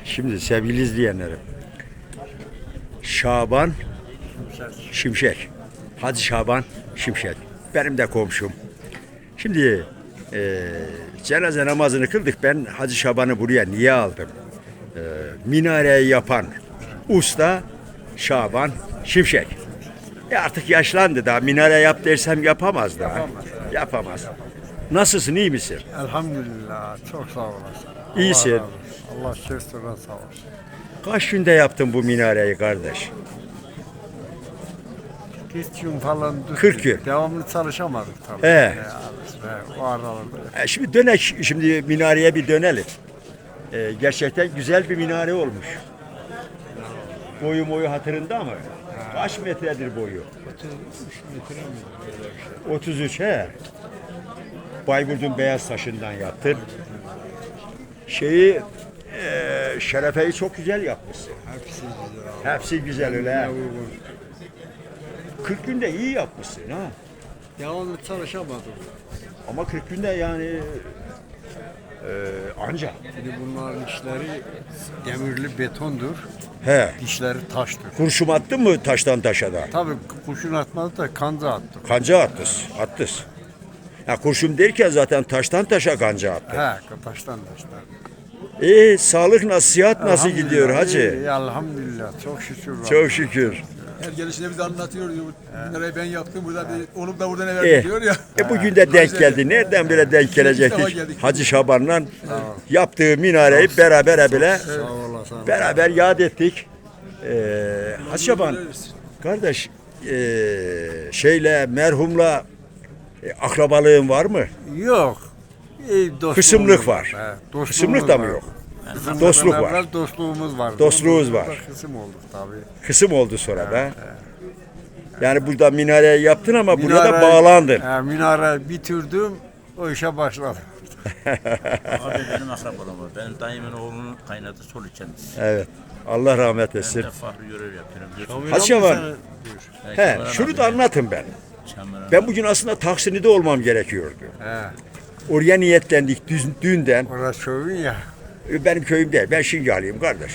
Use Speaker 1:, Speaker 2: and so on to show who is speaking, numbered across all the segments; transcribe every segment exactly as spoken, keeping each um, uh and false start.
Speaker 1: Şimdi sevgili izleyenlerim, Şaban Şimşek, Hacı Şaban Şimşek, benim de komşum. Şimdi e, cenaze namazını kıldık. Ben Hacı Şaban'ı buraya niye aldım? E, minareyi yapan usta Şaban Şimşek. E artık yaşlandı, daha minare yap dersem yapamaz daha. Yapamaz. Yapamaz. Nasılsın, iyi misin?
Speaker 2: Elhamdülillah, çok sağ olasın.
Speaker 1: İyisin.
Speaker 2: Allah, razı olsun. Allah şefsine sağ olsun.
Speaker 1: Kaç günde yaptın bu minareyi kardeş?
Speaker 2: kırk gün falan düştük.
Speaker 1: kırk gün.
Speaker 2: Devamlı çalışamadık tabii.
Speaker 1: He.
Speaker 2: He, o aralarda.
Speaker 1: E şimdi dönek, şimdi minareye bir dönelim. E, gerçekten güzel bir minare olmuş. Boyu boyu hatırında mı? Kaç metredir boyu? otuz üç he. Bayburt'un beyaz taşından yaptın. Şeyi e, şerefeyi çok güzel yapmışsın.
Speaker 2: Hepsi güzel.
Speaker 1: Hepsi güzel öyle. kırk günde iyi yapmışsın ha.
Speaker 2: Devamlı çalışamadık.
Speaker 1: Ama kırk günde yani e, anca.
Speaker 2: Şimdi bunların işleri demirli betondur.
Speaker 1: He.
Speaker 2: Dişleri taştır.
Speaker 1: Kurşum attın mı taştan taşa da?
Speaker 2: Tabii kurşun atmadı da kanca attık.
Speaker 1: Kanca attız, attız. Ya kurşun derken zaten taştan taşa kanca attı.
Speaker 2: He, taştan taştan.
Speaker 1: İyi, sağlık nasıl, sıhhat nasıl gidiyor hacı?
Speaker 2: İyi, elhamdülillah, çok şükür.
Speaker 1: Çok şükür.
Speaker 3: Her gelişine bize anlatıyor diyor. Nereye ben yaptım burada bir onu da burada ne
Speaker 1: E,
Speaker 3: verdi diyor ya.
Speaker 1: e bugün de denk geldi. Nereden bile denk gelecektik? Hacı Şaban'la yaptığı minareyi beraber bile
Speaker 2: Sağ olasın.
Speaker 1: beraber yad ettik. Ee, Hacı Şaban kardeş, e, şeyle merhumla e, akrabalığın var mı?
Speaker 2: Yok. İyi, dostluğumuz
Speaker 1: Kısımlık var.
Speaker 2: He, dostluğumuz
Speaker 1: Kısımlık da mı
Speaker 2: var.
Speaker 1: yok?
Speaker 2: Kısımlıktan
Speaker 1: Dostluk var.
Speaker 2: evvel dostluğumuz var.
Speaker 1: Dostluğumuz var.
Speaker 2: Kısım olduk tabii.
Speaker 1: Kısım oldu sonra da. Yani burada minareyi yaptın ama buraya da
Speaker 2: Minare-
Speaker 1: bağlandın.
Speaker 2: He, minare bitirdim, o işe başladım.
Speaker 4: Abi benim akrabam var. Benim dayımın oğlunun kaynadı sol kendisi.
Speaker 1: Evet. Allah rahmet
Speaker 4: Ben
Speaker 1: etsin.
Speaker 4: de farklı görev yapıyorum.
Speaker 1: Hacı Şaban,
Speaker 4: Belki
Speaker 1: he,
Speaker 4: Orhan
Speaker 1: şunu
Speaker 4: abi,
Speaker 1: da anlatın ben.
Speaker 4: Çamlıca.
Speaker 1: Ben bugün aslında Taksim'de olmam gerekiyordu.
Speaker 2: He,
Speaker 1: Oraya niyetlendik düz, düğünden.
Speaker 2: orası köyün ya.
Speaker 1: Benim köyüm değil. Ben Şingalıyım kardeş.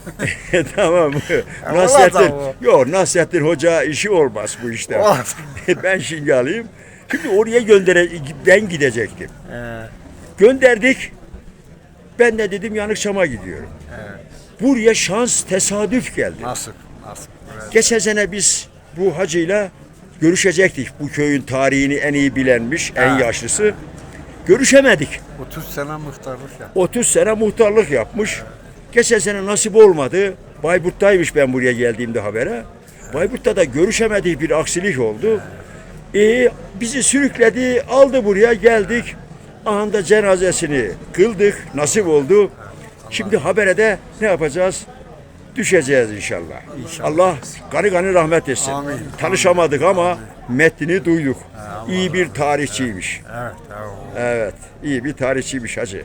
Speaker 1: Tamam mı?
Speaker 2: E,
Speaker 1: Nasrettin,
Speaker 2: ola da
Speaker 1: yok Nasrettin Hoca işi olmaz bu işte.
Speaker 2: Ola
Speaker 1: Ben Şingalıyım. Şimdi oraya göndere ben gidecektim.
Speaker 2: He,
Speaker 1: Gönderdik. Ben de dedim Yanıkçam'a gidiyorum.
Speaker 2: he.
Speaker 1: Buraya şans tesadüf geldi.
Speaker 2: Nasip, nasip. Evet.
Speaker 1: Geçen sene biz bu hacıyla görüşecektik. Bu köyün tarihini en iyi bilenmiş, en
Speaker 2: Ha.
Speaker 1: yaşlısı. Görüşemedik.
Speaker 2: otuz sene muhtarlık ya.
Speaker 1: otuz sene muhtarlık yapmış. Geçen sene nasip olmadı. Bayburt'taymış ben buraya geldiğimde habere. Bayburt'ta da görüşemediği bir aksilik oldu. E, bizi sürükledi, aldı buraya, geldik. Anında cenazesini kıldık, nasip oldu. Şimdi habere de ne yapacağız? Düşeceğiz inşallah. Allah gani gani rahmet etsin.
Speaker 2: Amin.
Speaker 1: Tanışamadık ama metnini duyduk. İyi bir tarihçiymiş.
Speaker 2: Evet, evet.
Speaker 1: Evet, iyi bir tarihçiymiş hacı.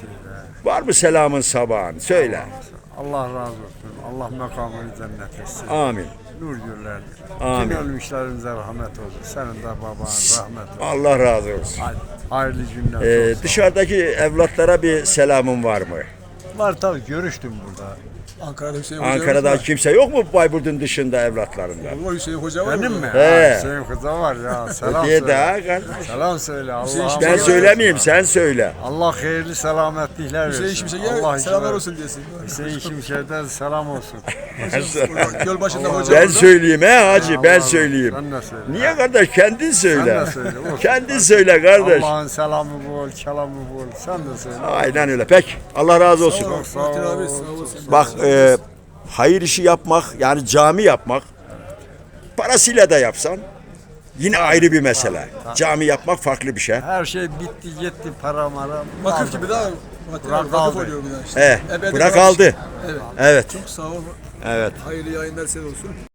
Speaker 1: Var mı selamın sabahın? Söyle.
Speaker 2: Allah razı olsun. Allah makamını cennet etsin.
Speaker 1: Amin.
Speaker 2: Nur güllerdir.
Speaker 1: Amin.
Speaker 2: Tüm ölmüşlerimize rahmet olsun. Senin de baban rahmet olsun.
Speaker 1: Allah razı olsun.
Speaker 2: Haydi, hayırlı günler.
Speaker 1: Ee,
Speaker 2: çok sağ ol.
Speaker 1: dışarıdaki evlatlara bir selamın var mı?
Speaker 2: Var tabii, görüştüm burada.
Speaker 3: Ankara'da Hüseyin Hoca
Speaker 1: Ankara'da
Speaker 3: var.
Speaker 1: kimse yok mu Bayburt'un dışında evlatlarından?
Speaker 3: Var Hüseyin Hoca var.
Speaker 2: Benim
Speaker 3: orada.
Speaker 2: mi?
Speaker 1: He.
Speaker 2: Ha, Hüseyin kıza var ya. Selam
Speaker 1: Diye
Speaker 2: söyle.
Speaker 1: daha kardeş.
Speaker 2: Selam söyle. Allah
Speaker 3: Hüseyin
Speaker 1: Ben
Speaker 3: Hoca-
Speaker 1: söylemeyeyim, sen söyle.
Speaker 2: Allah hayırlı selametlikler versin.
Speaker 3: Hüseyin Şimşek'e
Speaker 2: Allah
Speaker 3: selamlar
Speaker 2: işi
Speaker 3: olsun diyesin.
Speaker 2: Hüseyin Şimşek'ten selam olsun.
Speaker 3: Orada Göl başında
Speaker 2: Allah-
Speaker 3: hoca
Speaker 1: Ben
Speaker 3: orada.
Speaker 1: söyleyeyim he hacı, ben
Speaker 2: Allah-
Speaker 1: söyleyeyim.
Speaker 2: Sen de söyle.
Speaker 1: Niye kardeş? Kendin söyle.
Speaker 2: Sen de söyle, olsun.
Speaker 1: Kendin söyle kardeş.
Speaker 2: Allah'ın selamı bol, kelamı bol. Sen de söyle.
Speaker 1: Aynen öyle. Peki. Allah razı olsun.
Speaker 2: Çok sağ
Speaker 3: Fatih
Speaker 2: ol.
Speaker 3: abi sağ olasın.
Speaker 1: Bak e, hayır işi yapmak, yani cami yapmak, parasıyla da yapsan yine ayrı bir mesele. Cami yapmak farklı bir şey.
Speaker 2: Her şey bitti, gitti, para mara.
Speaker 3: Vakıf gibi daha Fatih
Speaker 2: Bırak
Speaker 3: abi, vakıf
Speaker 2: aldı.
Speaker 3: oluyor bir daha işte.
Speaker 1: He,
Speaker 3: Ebedi
Speaker 1: bırak
Speaker 3: var.
Speaker 1: aldı.
Speaker 3: Evet.
Speaker 1: Evet.
Speaker 3: Çok sağ ol.
Speaker 1: Evet.
Speaker 3: Hayırlı yayınlar size olsun.